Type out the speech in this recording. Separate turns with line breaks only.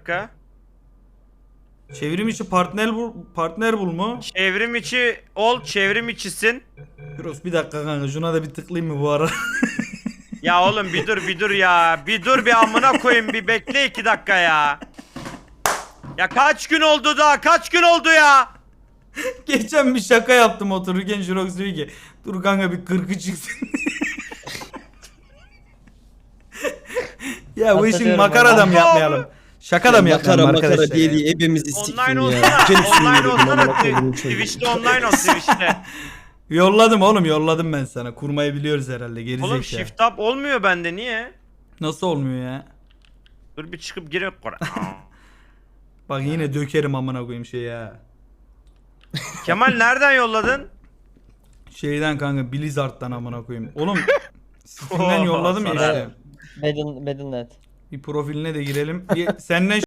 dakika.
Çevrim içi partner bul mu?
Çevrim içi ol, çevrim içisin.
Yunus bir dakika kanka şuna da bir tıklayayım mı bu ara?
Ya oğlum bir dur ya. Bir dur bir amına koyayım, bir bekle 2 dakika ya. Ya kaç gün oldu da, kaç gün oldu ya?
Geçen bir şaka yaptım otururken Jirox diyor ki dur kanka bir 40'ı çıksın. Ya bu işin
Hatırlıyorum
makara da
onu.
mı yapmayalım? Şaka da mı yapmayalım arkadaşlar?
diye
ya?
diye hepimizi siktin
Online
ya.
olsana.
Diken üstüne
Online
yürüdüm amına
olsana.
koyduğum çocuğu.
Twitch'te online ol, Twitch'te.
Yolladım oğlum yolladım ben sana. Kurmayı biliyoruz herhalde gerizekalı.
Oğlum shift up olmuyor bende, niye?
Nasıl olmuyor ya?
Dur bir çıkıp girek.
Bak yine dökerim amına koyayım şey ya.
Kemal nereden yolladın?
Şeyden kanka Blizzard'dan amına koyayım. Oğlum Steam'den yolladım ya
sana.
işte.
Battle.net.
Bir profiline de girelim. Senden